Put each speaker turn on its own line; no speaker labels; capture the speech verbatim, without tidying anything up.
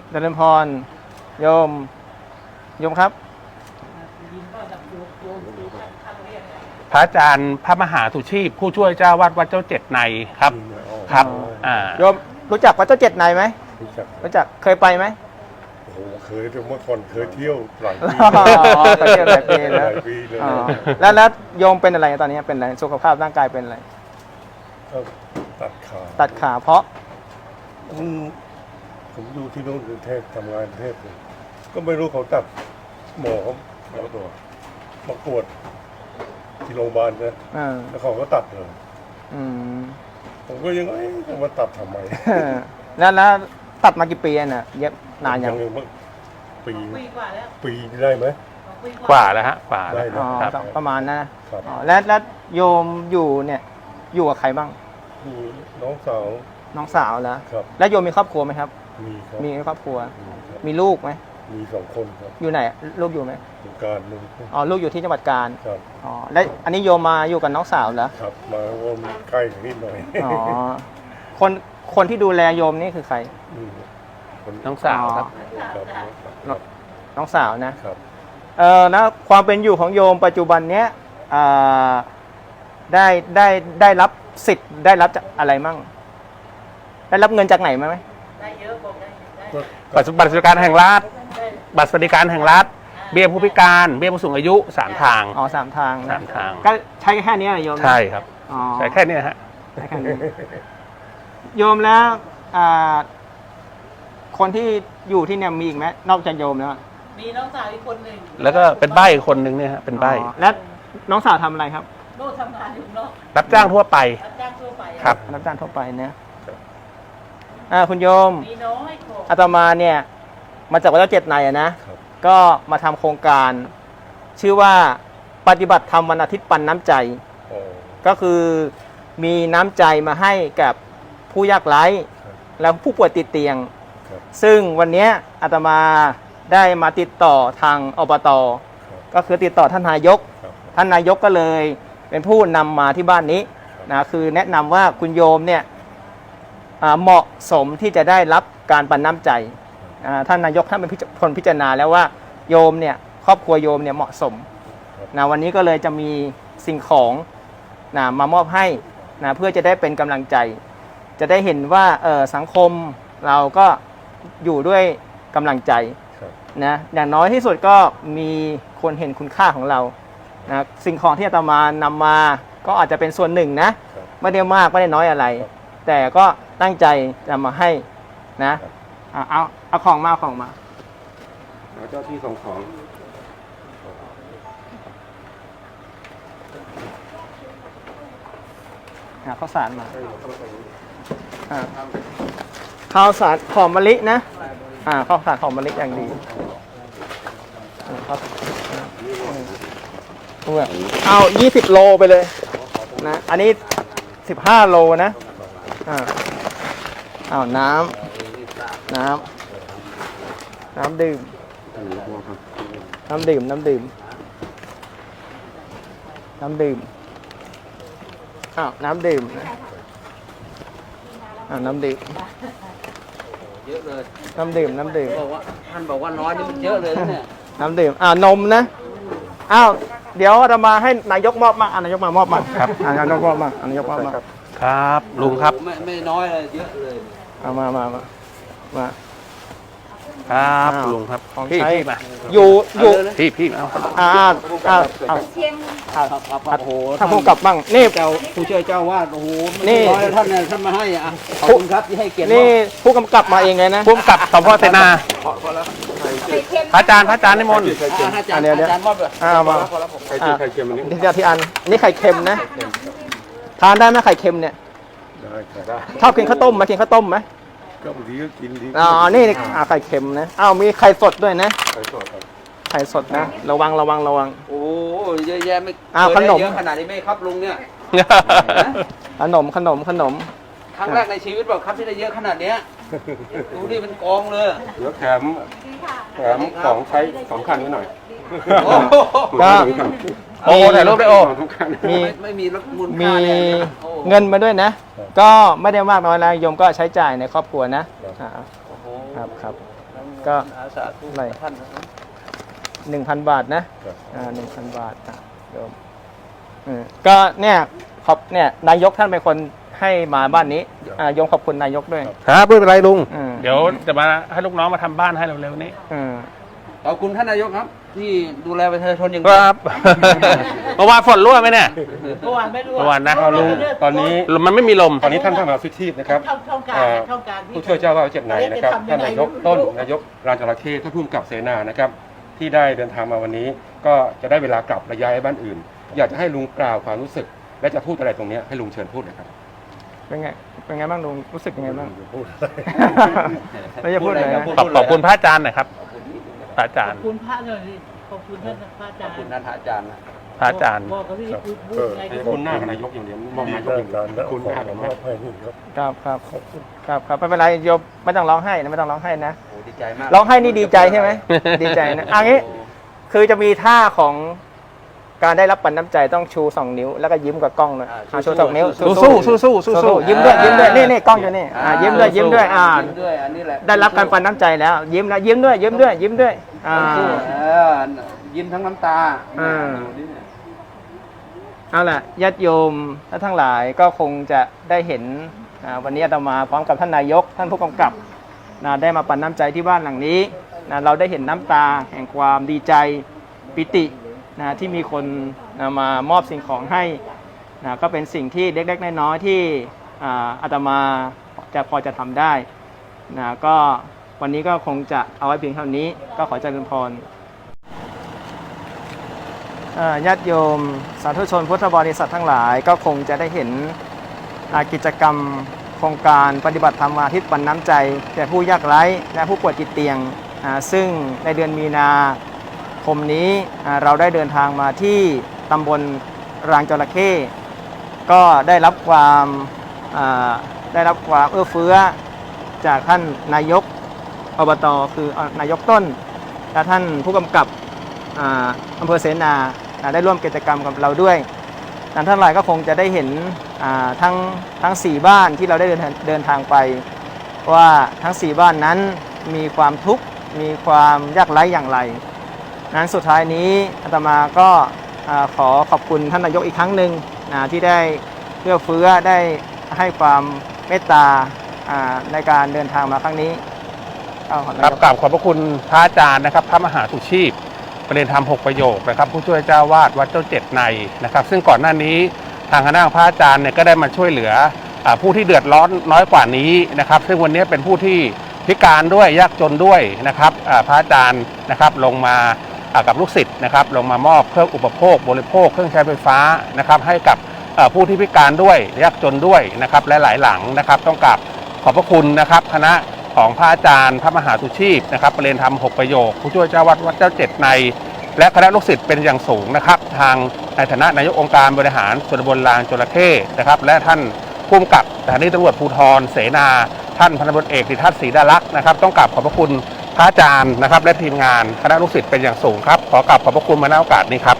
เจริญพรโยมโยมครับ
พระอาจารย์พระมหาสุชีพผู้ช่วยเจ้าวาดวัดเจ้าเจ็ดในครับครับอ่า
โยมรู้จักวัดเจ้าเจ็ดในไหม
รู้จัก
รู้จักเคยไปไหม
โอ้โหเคยแต่เมื่อก่อนเคยเที่ยวหลายปี
ไปเที่ยวหลายปีแล้ว
หลายปีเลย
แล้วแล้วโยมเป็นอะไรตอนนี้เป็นอะไรสุขภาพร่างกายเป็นอะไร
ตัดขา
ตัดขาเพราะ
ผมผมอยู่ที่โน่นกรุงเทพทำงานกรุงเทพเลยก็ไม่รู้เขาตัดหมอเขาหมอตัวมาตรวจที่โรงพยาบาลนะแล้วเขาก็ตัดเลยผมก็ยังเอ๊ะจะมาตัดทำไม
แล้วแล้วตัดมากี่ปีน่ะเย็บนานยัง
ปีปีได้ไหม
กว่าแล้วฮะกว่าแล้ว
ประมาณนะแล้วแล้วโยมอยู่เนี่ยอยู่กับใครบ้าง
น้องสาว
น้องสาวแล้วแล้วโยมมีครอบครัวไหมครับ
มีครับ
มีครอบครัวมีลูกไหม
มีสองคนครับ
อยู่ไหนลูกอยู่ไหม
อยู่การนึง
อ๋อลูกอยู่ที่จังหวัดกาญ
ครับ
อ๋อแล้วอันนี้โยมมาอยู่กับน้องสาวเหรอ
ครับมาวนใกล้นิดหน่อย
อ๋อคนคนที่ดูแลโยมนี่คือใคร
น้องสาวครับ
น้องสาวนะครับเอ่อนะความเป็นอยู่ของโยมปัจจุบันเนี้ยได้ได้ได้รับสิทธิ์ได้รับจากอะไรมั่งได้รับเงินจากไหนไหมได้เยอะบอกได้
บัตรบัตรสวัสดิการแห่งรัฐบัตรสวัสดิการแห่งรัฐเบี้ยผู้พิการเบี้ยผู้สูงอายุสามทาง
อ๋อสามทาง
สามทาง
ก็ใช้แค่นี้โยม
ใช่ครับใช้แค่นี้ฮะ
ใช้แค่นี้โยมแล้วคนที่อยู่ที่เนี่ยมีอีกไหมนอกจากโยมแล้ว
มีน้องสาวอีกคนหนึ่ง
แล้วก็เป็นใบ้คนหนึ่งเนี่ยฮะเป็นใบ้
และน้องสาวทำอะไรครับ
โน่ทำงานอยู่นอก
รับจ้างทั่วไป
รับจ้างทั่วไป
ครับ
รับจ้างทั่วไปเนี่ยอ่าคุณโยม
มีน้อย
อาตมาเนี่ยมาจากวัดเจ้าเจ็ดในนะก็มาทำโครงการชื่อว่าปฏิบัติธรรมวันอาทิตย์ปันน้ำใจก็คือมีน้ำใจมาให้กับผู้ยากไร้และผู้ป่วยติดเตียงซึ่งวันนี้อาตมาได้มาติดต่อทางอบต.ก็คือติดต่อท่านนายกท่านนายกก็เลยเป็นผู้นำมาที่บ้านนี้นะคือแนะนำว่าคุณโยมเนี่ยเหมาะสมที่จะได้รับการปันน้ำใจท่านนายกท่านเป็นคนพิจารณาแล้วว่าโยมเนี่ยครอบครัวโยมเนี่ยเหมาะสมนะวันนี้ก็เลยจะมีสิ่งของนะมามอบให้นะเพื่อจะได้เป็นกำลังใจจะได้เห็นว่าเออสังคมเราก็อยู่ด้วยกำลังใจนะอย่างน้อยที่สุดก็มีคนเห็นคุณค่าของเรานะสิ่งของที่อาตมานำมาก็อาจจะเป็นส่วนหนึ่งนะไม่ได้มากไม่ได้น้อยอะไรแต่ก็ตั้งใจจะมาให้นะเอาเอาของมาของมา
เจ้าที่ส่งของ
ข้าวสารมาข้าวสารหอมมะลินะอ่าข้าวสารหอมมะลิอย่างดีเอายี่สิบโลไปเลยนะอันนี้สิบห้าโลนะอ่าเอาน้ำน้ำน้ำดื่มน้ำดื่มน้ำดื่มน้ำดื่มอ้าวน้ำดื่มอ้าวน้ำดื่ม
เยอะเลย
น้ำดื่มน้ำดื่ม
บอกว่าท่านบอกว่าน้อยนี่มันเยอะเลยเนี่ย
น้ำดื่มอ้าวนมนะอ้าวเดี๋ยวจะมาให้นายกมอบมาอ่านายกมามอบมาครับอ่านายกมอบมาอ่านายกมอบมา
ครับลุงครับ
ไม่ไม่น้อยเลยเยอะเลย
เอามามามามา
ครับลุงครับ
พี่พี่มาอยู่อยู่
พี่พี่เอา
อ่าอ่าอ่า
เชียงโอ้โห
ถ้าผมกลับบ้างนี่
เจ้าผู้ช่วยเจ้าวาดโอ้โหนี่น้อยท่านเนี่ยท่านมาให้อ่ะขอบคุณครับที่ให้เกียรติ
นี่ผู้กำกับมาเองเลยนะ
ผู้กำกับสพเสนาพระอาจารย์พระอาจารย์นิมนต์
เดี๋ยวเดี๋ยวอ่ามา
ไข่เค็มอันนี้
เดี๋ยวที่อันนี่ไข่เค็มนะทานได้ไหมไข่เค็มเนี่ย
ได้
ชอบกินข้าวต้มไหมกินข้าวต้มไหม
ก็บางทีก็กินดี
อ๋อนี่อ่าไข่เค็มนะอ้าวมีไข่สดด้วยนะไข่สดไข่สดนะระวังระวังระวัง
โอ้เยอะแยะไม่
อ้าวขนม
เยอะขนาดนี้ไหมครับลุงเนี่ย
ขนมขนมขนม
ครั้งแรกในชีวิตบอกครับที่ได้เยอะขนาดเนี้ยดูนี่มันกองเลย
แล้วแถมแถมของใช้สองคันนิดหน่อย
ก็
โอ้ถ่ายรูปได้โอ้
มี
ไม่มีมูล
มี
ค่า
เงินมาด้วยนะก็ไม่ได้มากน้อยนะโยมก็ใช้จ่ายในครอบครัวนะครับครับ
ค
ก็
อาสาทุก
อะไร
ท่านนะครับ
หนึ่งพันบาทนะครับ อ่าหนึ่งพันบาทอ่ะโยมอืมก็เนี่ยขอบเนี่ยนายกท่านเป็นคนให้มาบ้านนี้อ่าโยมขอบคุณนายกด้วย
ครับไม่เป็นไรลุง
อืม
เดี๋ยวจะมาให้ลูกน้องมาทำบ้านให้เร็วๆนี้
อืม
ขอบคุณท่านนายกครับ ที่ดูแลประชาชนอย่าง
ค
ดี
รับ เมื่อวานฝนรั่วไหมเนี่ย
เมื่อวานไม่รู้
เมื่อวานนะ
ลุงตอนนี้
มันไม่มีลม
ตอนนี้ท่านพระมหาฟิชีพนะครับ
ช่องช่องการ
อ่า
ช่องการที่
ผู้ช่วยเจ้าว่าดวัดเจ็ดนายนะครับท่านนายกต้นนายกรานจระเข้ท่านผู้กำกับเสนานะครับที่ได้เดินทางมาวันนี้ ก็จะได้เวลากลับระย้ายบ้านอื่น อยากจะให้ลุงกล่าวความรู้สึก และจะพูดอะไรตรงนี้ให้ลุงเชิญพูดเลยครับ
เป็นไงเป็นไงบ้างลุงรู้สึกยังไงบ้าง
พูดอะไร
ไม่จะพูดอะไรนะ
ขอบขอบคุณพระอาจารย์หน่อยครับ พระอาจาร
ขอ
ย์
บคุณพระหน่อยสิขอบคุณท่านพระอา
ข
จา
อบ
รย์
คุณท่านอาจารย์นะ
พระอาจารย์
บอกเขาที่พูดพูดไงก็
คุณหน้ากับนายกอย่างเดียวมองนายกอย่างเดียวคุณหน้ากับนายกให้นี่ครับ
ครับครับครับครับไม่เป็นไรโยมไม่ต้องร้องไห้นะไม่ต้องร้องไห้นะ
โอ้ดีใจมาก
ร้องไห้นี่ดีใจใช่ไหม ดีใจนะอันนี้คือจะมีท่าของการได้รับปันน้ำใจต้องชูสองนิ้วแล้วก็ยิ้มกับกล้องเลยอ่าชูสองนิ้ว
สู้สู้สู้สู้สู้สู้
ยิ้มด้วยยิ้มด้วยนี่นี่กล้องอยู่นี่อ่ายิ้มด้วยยิ้มด้วยอ่า
ยิ้มด้วยอันนี้แหละ
ได้รับการปันน้ำใจแล้ว ยิ้มแล้วยิ้มด้วยยิ้มด้วยยิ้มด้วยอ่า
สู้เออยิ้มทั้งน้ำตา
อ่า
ดูดิเนี่ย
เอาล่ะญาติโยมและทั้งหลายก็คงจะได้เห็นอ่าวันนี้อาตมาพร้อมกับท่านนายก ท่านผู้กำกับนะได้มาปันน้ำใจที่บ้านหลังนี้นะเราได้เห็นน้ำตาแห่งความดีใจปิตินะที่มีคนนะมามอบสิ่งของให้นะก็เป็นสิ่งที่เล็กๆน้อยๆที่อ่าอาตมาจะพอจะทำได้นะก็วันนี้ก็คงจะเอาไว้เพียงเท่านี้ก็ขอเจริญพร อ่าญาติโยมสาธุชนพุทธบริษัททั้งหลายก็คงจะได้เห็นอ่ากิจกรรมโครงการปฏิบัติธรรมาทิตย์ปันน้ำใจแก่ผู้ยากไร้และผู้ป่วยติดเตียงอ่าซึ่งในเดือนมีนาคมนี้อ่าเราได้เดินทางมาที่ตำบลรางจระเข้ก็ได้รับความอ่าได้รับความเอื้อเฟื้อจากท่านนายกอบตคืออ่านายกต้นและท่านผู้กำกับ อ่าอำเภอเสนาอ่าได้ร่วมกิจกรรมกับเราด้วยท่านทั้งหลายก็คงจะได้เห็นอ่าทั้งทั้งสี่บ้านที่เราได้เดินเดินทางไปว่าทั้งสี่บ้านนั้นมีความทุกข์มีความยากไร้อย่างไรนั้นสุดท้ายนี้อาตมาก็อ่าขอขอบคุณท่านนายกอีกครั้งหนึ่งอ่าที่ได้เอื้อเฟื้อได้ให้ความเมตตาอ่าในการเดินทางมาครั้งนี้ก็ขอ
ครับกราบขอบพระคุณพระอาจารย์นะครับ พระมหาสุชีพประเด็นธรรมหกประโยคนะครับผู้ช่วยเจ้าวาดวัดเจ้าเจ็ดในนะครับซึ่งก่อนหน้านี้ทางคณะของพระอาจารย์เนี่ยก็ได้มาช่วยเหลืออ่าผู้ที่เดือดร้อนน้อยกว่านี้นะครับซึ่งวันนี้เป็นผู้ที่พิการด้วยยากจนด้วยนะครับอ่าพระอาจารย์นะครับลงมาอ่ากับลูกศิษย์นะครับลงมามอบเครื่องอุปโภคบริโภคเครื่องใช้ไฟฟ้านะครับให้กับอ่าผู้ที่พิการด้วยยากจนด้วยนะครับและหลายหลังนะครับต้องกราบขอบพระคุณนะครับคณะของพระอาจารย์พระมหาสุชีพนะครับประเด็นธรรมหกประโยคผู้ช่วยเจ้าวัดวัดเจ้าเจ็ดในและคณะลูกศิษย์เป็นอย่างสูงนะครับทางในฐานะนายกองค์การบริหารส่วนตำบลลางจระเข้นะครับและท่านผู้กำกับสถานีตำรวจภูธรเสนาท่านพันตำรวจเอกดิทัศน์ศรีดาลักษณ์นะครับต้องกราบขอบพระคุณพระอาจารย์นะครับและทีมงานคณะลูกศิษย์เป็นอย่างสูงครับขอกราบขอบพระคุณมาณโอกาสนี้ครับ